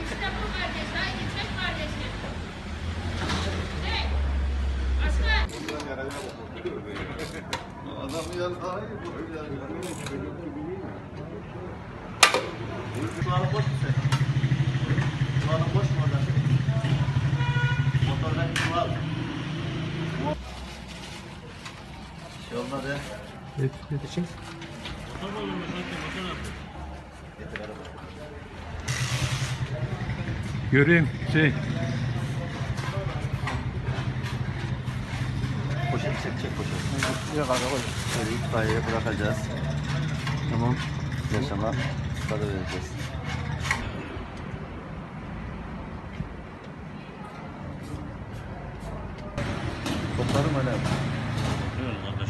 İşte bu kardeş. Haydi çek kardeşim. Çek. Başka. Adam ya daha iyi bu öyle çocuk gibi değil mi? Kulağını boş mu sen? Kulağını boş mu orada? Motordan kulağın. Şey olmaz ya. İçin. Getir araba. Göreyim Poşet çek poşet. Yok abi koy. Şöyle itfaiyeye bırakacağız. Tamam. Yaşama para vereceğiz. Toplarım öyle. Öyle kardeş.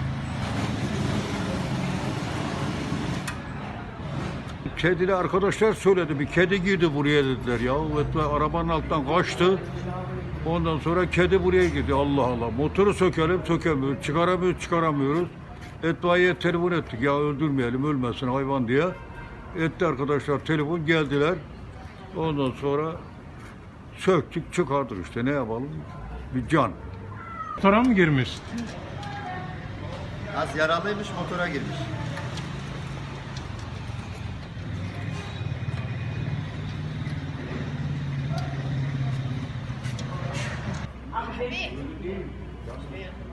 Kedili arkadaşlar söyledi. Bir kedi girdi buraya dediler ya. Ve arabanın altından kaçtı. Ondan sonra kedi buraya girdi. Allah Allah. Motoru sökelim sökemiyoruz. Çıkaramıyoruz. İtfaiye telefon ettik. Ya öldürmeyelim ölmesin hayvan diye. Etti arkadaşlar telefon geldiler. Ondan sonra söktük çıkardık işte ne yapalım. Bir can. Motora mı girmiş? Az yaralıymış motora girmiş. Abi.